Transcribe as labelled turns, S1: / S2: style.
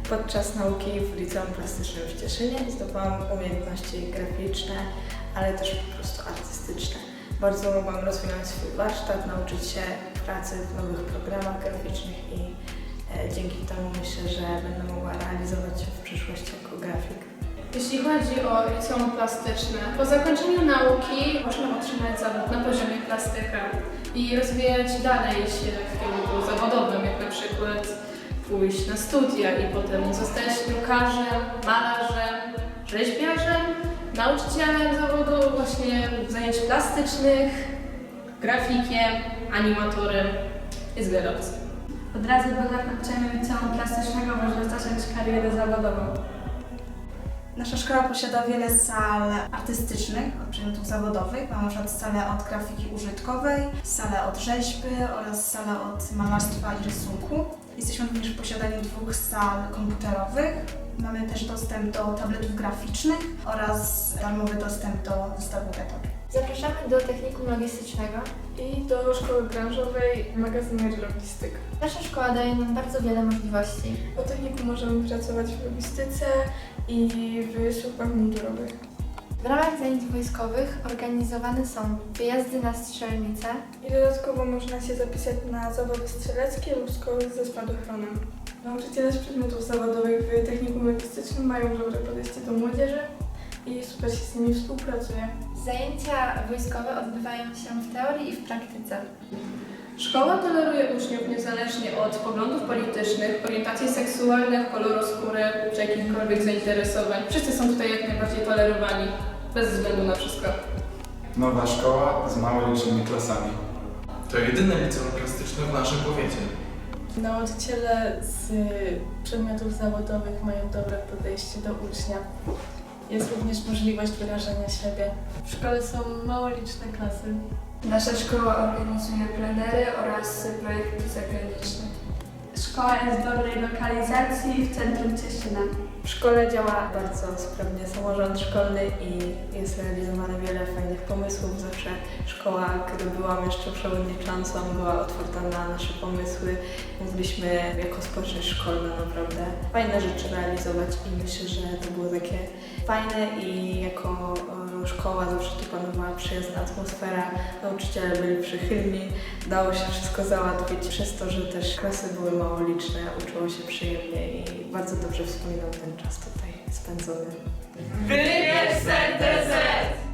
S1: Podczas nauki w Liceum Plastycznym w Cieszynie zdobywałam umiejętności graficzne, ale też po prostu artystyczne. Bardzo mogłam rozwinąć swój warsztat, nauczyć się pracy w nowych programach graficznych i dzięki temu myślę, że będę mogła realizować się w przyszłości jako grafik.
S2: Jeśli chodzi o liceum plastyczne, po zakończeniu nauki można otrzymać zawód na poziomie plastyka i rozwijać dalej się w kierunku zawodowym, jak na przykład pójść na studia i potem zostać drukarzem, malarzem, rzeźbiarzem, nauczycielem zawodu właśnie zajęć plastycznych, grafikiem, animatorem. Jest wiele opcji.
S3: Od razu po zakończeniu liceum plastycznego można zacząć karierę zawodową.
S4: Nasza szkoła posiada wiele sal artystycznych od przedmiotów zawodowych. Mamy na przykład salę od grafiki użytkowej, salę od rzeźby oraz salę od malarstwa i rysunku. Jesteśmy również w posiadaniu 2 sal komputerowych. Mamy też dostęp do tabletów graficznych oraz darmowy dostęp do zestawu Etor.
S5: Zapraszamy do technikum logistycznego
S2: I do szkoły branżowej magazynerii logistyk.
S5: Nasza szkoła daje nam bardzo wiele możliwości.
S2: Po technikum możemy pracować w logistyce i w służbach mundurowych.
S5: W ramach zajęć wojskowych organizowane są wyjazdy na strzelnice,
S2: I dodatkowo można się zapisać na zawody strzeleckie lub szkoły ze spadochronem. Nauczyciele z przedmiotów zawodowych w technikum logistycznym mają dobre podejście do młodzieży i super się z nimi współpracuje.
S5: zajęcia wojskowe odbywają się w teorii i w praktyce.
S2: Szkoła toleruje uczniów niezależnie od poglądów politycznych, orientacji seksualnych, koloru skóry czy jakichkolwiek zainteresowań. Wszyscy są tutaj jak najbardziej tolerowani, bez względu na wszystko.
S6: Nowa szkoła z mało licznymi klasami.
S7: To jedyne liceum plastyczne w naszym powiecie.
S8: Nauczyciele z przedmiotów zawodowych mają dobre podejście do ucznia. Jest również możliwość wyrażania siebie. W szkole są mało liczne klasy.
S3: Nasza szkoła organizuje plenery oraz projekty zagraniczne. Szkoła jest w dobrej lokalizacji w centrum Cieszyna.
S1: W szkole działa bardzo sprawnie samorząd szkolny i jest realizowane wiele fajnych pomysłów. Zawsze szkoła, kiedy byłam jeszcze przewodniczącą, była otwarta na nasze pomysły. Mogliśmy jako społeczność szkolna naprawdę fajne rzeczy realizować i myślę, że to było takie fajne i jako szkoła zawsze tu panowała przyjazna atmosfera, nauczyciele byli przychylni, dało się wszystko załatwić przez to, że też klasy były mało liczne, uczyło się przyjemnie i bardzo dobrze wspominam ten czas tutaj spędzony.
S9: Wybierz ZTZ!